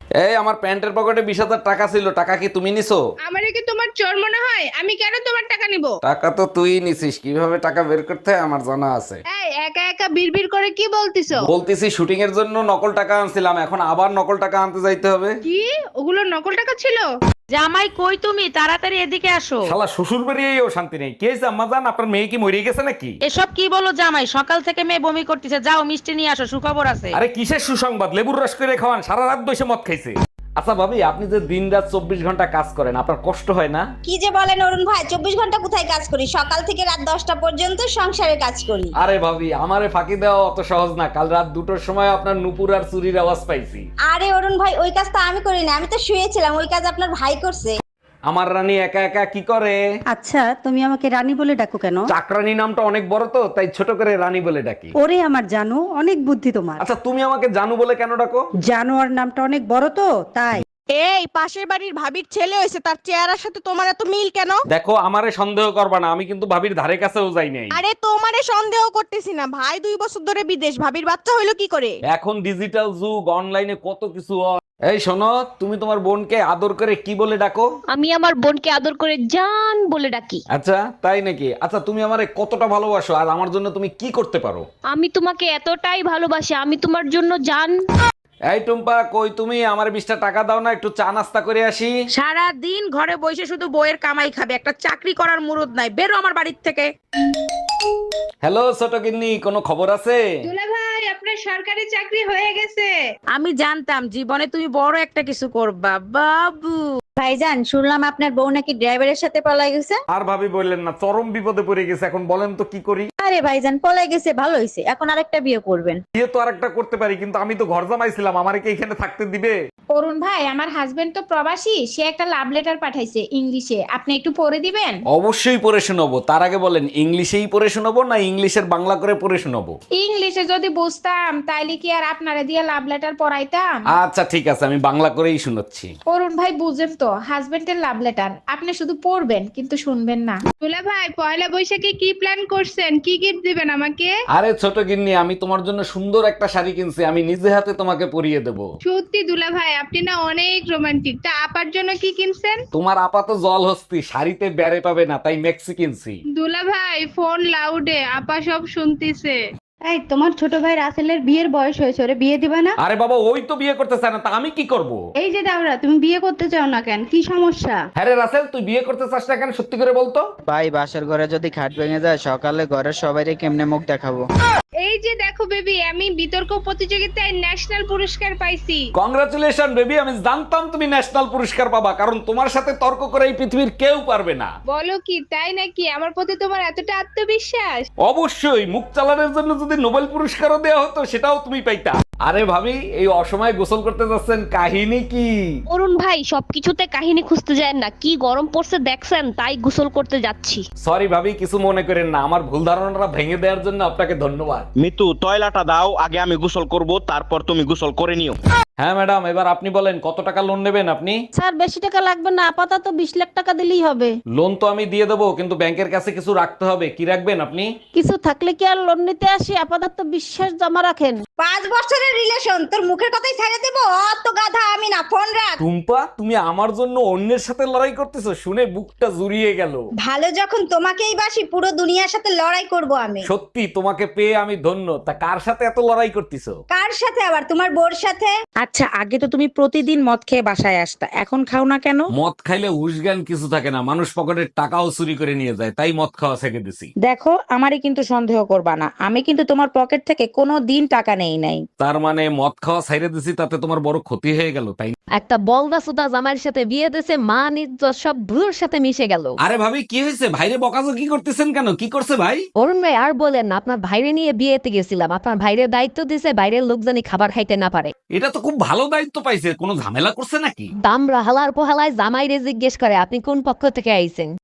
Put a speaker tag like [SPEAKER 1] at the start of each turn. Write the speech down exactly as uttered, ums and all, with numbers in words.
[SPEAKER 1] এই আমার প্যান্টের পকেটে বিশ হাজার টাকা ছিল, টাকা কি তুমি নিছো?
[SPEAKER 2] আমারে কি তোমার চোর মনে হয়? আমি কেন তোমার টাকা নিব?
[SPEAKER 1] টাকা তো তুই নিছিস, কিভাবে টাকা বের করতে হয় আমার জানা আছে।
[SPEAKER 2] এই একা একা বিড়বিড় করে কি বলতিছো?
[SPEAKER 1] বলতেছি শুটিং এর জন্য নকল টাকা আনছিলাম, এখন আবার নকল টাকা আনতে যাইতে হবে।
[SPEAKER 2] কি ওগুলো নকল টাকা ছিল?
[SPEAKER 3] জামাই কই তুমি? তাড়াতাড়ি এদিকে আসো।
[SPEAKER 1] শালা শ্বশুর বাড়িয়েও শান্তি নেই। কে আম্মা জান, আপনার মেয়ে কি মরে গেছে নাকি?
[SPEAKER 3] এসব কি বলো জামাই? সকাল থেকে মেয়ে বমি করতেছে, যাও মিষ্টি নিয়ে আসো, সুখবর আছে।
[SPEAKER 1] আরে কিসের সুসংবাদ? লেবুর রস করে খাওয়ান, সারা রাত বসে মদ খাইছে। আচ্ছা ভাবি, আপনি যে দিন রাত চব্বিশ ঘন্টা কাজ করেন, আপনার কষ্ট হয় না?
[SPEAKER 4] কি যে বলেন অরুণ ভাই, চব্বিশ ঘন্টা কোথায় কাজ করি? সকাল থেকে রাত দশটা পর্যন্ত সংসারে কাজ করি।
[SPEAKER 1] আরে ভাবি, আমারে ফাঁকি দেওয়া অত সহজ না। কাল রাত দুটোর সময় আপনার নুপুর আর চুরির আওয়াজ পাইছি।
[SPEAKER 4] আরে অরুণ ভাই, ওই কাজ তো আমি করি না, আমি তো শুয়েছিলাম। ওই কাজ আপনার ভাই করছে।
[SPEAKER 1] আমার রানী একা একা কি করে?
[SPEAKER 5] আচ্ছা, তুমি আমাকে রানী বলে ডাকো কেন?
[SPEAKER 1] চাকরানী নামটা অনেক বড় তো, তাই ছোট করে রানী বলে ডাকি।
[SPEAKER 5] ওরে আমার জানো, অনেক বুদ্ধি তোমার।
[SPEAKER 1] আচ্ছা তুমি আমাকে জানু বলে কেন ডাকো?
[SPEAKER 5] জানোয়ার নামটা অনেক বড় তো, তাই।
[SPEAKER 3] এই পাশের বাড়ির ভাবির ছেলে হয়েছে, তার চেহারার সাথে তোমার এত মিল কেন?
[SPEAKER 1] দেখো, আমারে সন্দেহ করবা না, আমি কিন্তু ভাবির ধারে কাছেও যাই নাই।
[SPEAKER 3] আরে তোমারে সন্দেহ করতেছি না, ভাই দুই বছর ধরে বিদেশ, ভাবির বাচ্চা হইলো কি করে?
[SPEAKER 1] এখন ডিজিটাল যুগ, অনলাইনে কত কিছু হয়। এই শোনো, তুমি তোমার বোনকে আদর করে কি বলে ডাকো?
[SPEAKER 6] আমি আমার বোনকে আদর করে জান বলে ডাকি।
[SPEAKER 1] আচ্ছা তাই নাকি? আচ্ছা তুমি আমারে কতটা ভালোবাসো আর আমার জন্য তুমি কি করতে পারো?
[SPEAKER 6] আমি তোমাকে এতটাই ভালোবাসি, আমি তোমার জন্য জান।
[SPEAKER 1] এই টুম্পা, কই তুমি? আমার বিশটা টাকা দাও না, একটু চা নাস্তা করে আসি।
[SPEAKER 3] সারা দিন ঘরে বসে শুধু বইয়ের কামাই খাবে, একটা চাকরি করার মুরদ নাই। বেরো আমার বাড়ির থেকে।
[SPEAKER 1] হ্যালো ছোট গিন্নি, কোনো খবর আছে?
[SPEAKER 2] দুলা ভাই, আপনার সরকারি চাকরি হয়ে গেছে।
[SPEAKER 3] আমি জানতাম জীবনে তুমি বড় একটা কিছু করবা বাবু।
[SPEAKER 4] ভাইজান, শুনলাম আপনার বউ নাকি ড্রাইভারের সাথে পলাই গেছে।
[SPEAKER 1] আর ভাবি বললেন না, চরম বিপদে পড়ে গেছে। এখন বলেন তো কি করি?
[SPEAKER 4] আরে ভাইজান, পলাই গেছে ভালো হয়েছে, এখন আরেকটা বিয়ে করবেন।
[SPEAKER 1] বিয়ে তো আরেকটা করতে পারি, কিন্তু আমি তো ঘর জামাইছিলাম, আমারে কি এখানে থাকতে দিবে?
[SPEAKER 2] অরুণ ভাই, আমার হাজবেন্ড তো প্রবাসী, সে একটা লাভ লেটার পাঠাইছে ইংলিশে, আপনি একটু পড়ে দিবেন?
[SPEAKER 1] অবশ্যই পড়ে শোনাবো। তার আগে বলেন, ইংলিশেই পড়ে শোনাবো না ইংলিশের বাংলা করে পড়ে শোনাবো?
[SPEAKER 2] ইংলিশে যদি বুঝতাম তাইলে কি আর আপনারে দিয়ে লাভ লেটার পড়াইতাম?
[SPEAKER 1] আচ্ছা ঠিক আছে, আমি বাংলা করেই শোনাচ্ছি।
[SPEAKER 2] অরুণ ভাই, বুঝেন তো, হাজবেন্ডের লাভ লেটার, আপনি শুধু পড়বেন কিন্তু শুনবেন না। দুলা ভাই, পয়লা বৈশাখে কি প্ল্যান করছেন? কি গিফট দিবেন আমাকে?
[SPEAKER 1] আরে ছোট গিন্নি, আমি তোমার জন্য সুন্দর একটা শাড়ি কিনছি, আমি নিজে হাতে তোমাকে পরিয়ে দেবো।
[SPEAKER 2] সত্যি দুলা ভাই, আপনি না অনেক রোমান্টিক। তা আপার জন্য কি কিনছেন?
[SPEAKER 1] তোমার আপাত জল হস্তি, শাড়িতে বেড়ে পাবে না, তাই মেক্সি কিনছি।
[SPEAKER 2] দুলা ভাই, ফোন লাউডে, আপা সব শুনতিছে।
[SPEAKER 5] এই, তোমার ছোট ভাই রাসেলের বিয়ের বয়স হয়েছে, ওরে বিয়ে দিবা না?
[SPEAKER 1] আরে বাবা, ওই তো বিয়ে করতে চায় না, তা আমি কি করব?
[SPEAKER 5] এই যে দাওরা, তুমি বিয়ে করতে চাও না কেন? কি সমস্যা?
[SPEAKER 1] হ্যাঁ রে রাসেল, তুই বিয়ে করতে চাস না কেন? সত্যি করে বলতো।
[SPEAKER 7] ভাই, বাসার ঘরে যদি খাট ভেঙে যায়, সকালে ঘরের সবাইকে কেমনে মুখ দেখাবো?
[SPEAKER 2] এই যে দেখো বেবি, আমি বিতর্ক প্রতিযোগিতায় ন্যাশনাল পুরস্কার পাইছি।
[SPEAKER 1] কংগ্রাচুলেশন বেবি, আমি জানতাম তুমি ন্যাশনাল পুরস্কার পাবা, কারণ তোমার সাথে তর্ক করে এই পৃথিবীর কেউ পারবে না।
[SPEAKER 2] বলো কি, তাই নাকি? আমার প্রতি তোমার এতটা আত্মবিশ্বাস?
[SPEAKER 1] অবশ্যই, মুখ চালানোর জন্য যদি নোবেল পুরস্কারও দেওয়া হতো, সেটাও তুমি পাইতা। আরে ভাবি, এই অসময়ে গোসল করতে যাচ্ছেন, কাহিনী কি?
[SPEAKER 6] অরুণ ভাই, সবকিছুতে কাহিনী খুঁজতে যায় না, কি গরম পড়ছে দেখছেন, তাই গোসল করতে যাচ্ছি।
[SPEAKER 1] সরি ভাবি, কিছু মনে করেন না, আমার ভুল ধারণাটা ভেঙে দেওয়ার জন্য আপনাকে ধন্যবাদ।
[SPEAKER 8] মিতু, তয়লাটা দাও, আগে আমি গোসল করব, তারপর তুমি গোসল করে নিও।
[SPEAKER 1] হ্যাঁ ম্যাডাম, এবার আপনি বলেন কত টাকা লোন নেবেন আপনি?
[SPEAKER 3] স্যার, বেশি টাকা লাগবে না, আপাতত বিশ লাখ টাকা দিলেই হবে।
[SPEAKER 1] লোন তো আমি দিয়ে দেবো, কিন্তু ব্যাংকের কাছে কিছু রাখতে হবে। কি রাখবেন আপনি?
[SPEAKER 3] কিছু থাকলে কি আর লোন নিতে আসি? আপাতত বিশ্বাস জমা রাখেন।
[SPEAKER 4] পাঁচ বছরের রিলেশন, তোর মুখের কথাই ছেড়ে দেবো? অত গাধা আমি না, ফোন রাখ।
[SPEAKER 1] টুম্পা, তুমি আমার জন্য অন্যের সাথে লড়াই করতেছো, শুনে বুকটা জুড়িয়ে গেল।
[SPEAKER 4] ভালো যখন তোমাকেই বাসি, পুরো দুনিয়ার সাথে লড়াই করব আমি।
[SPEAKER 1] সত্যি তোমাকে পেয়ে আমি ধন্য। তা কার সাথে এত লড়াই করতেছো?
[SPEAKER 4] কার সাথে আবার? তোমার বোর সাথে।
[SPEAKER 3] আচ্ছা, আগে তো তুমি প্রতিদিন মদ খেয়ে বাসায় আসতা, এখন খাও না কেন?
[SPEAKER 1] মদ খাইলে হুশ জ্ঞান কিছু থাকে না, মানুষ পকেটের টাকাও চুরি করে নিয়ে যায়, তাই মদ খাওয়া ছেড়ে দিছি।
[SPEAKER 3] দেখো, আমারই কিন্তু সন্দেহ করবা না, আমি কিন্তু তোমার পকেট থেকে কোনো দিন টাকা নেই নাই।
[SPEAKER 1] তার মানে মদ খাওয়া ছেড়ে দিছি, তাতে তোমার বড় ক্ষতি হয়ে গেল, তাই না?
[SPEAKER 6] একটা বলদা সুদা জামাইয়ের সাথে বিয়ে দিয়েছে, মান ইজ্জত সব ধুলোর সাথে মিশে গেল।
[SPEAKER 1] আরে ভাবি, কি হয়েছে? ভাইরে বকাজো কি করতেছেন কেন? কি করছে ভাই?
[SPEAKER 6] অরুণ ভাই, আর বলেন না, আপনার ভাইরে নিয়ে বিয়েতে গেছিলাম, আপনার ভাইরে দায়িত্ব দিছে বাইরের লোক জানি খাবার খাইতে না পারে।
[SPEAKER 1] এটা তো খুব ভালো দায়িত্ব পাইছে, কোনো ঝামেলা করছে নাকি?
[SPEAKER 6] দামরা হালার পোহালায় জামাইরে জিজ্ঞেস করে আপনি কোন পক্ষ থেকে আইছেন।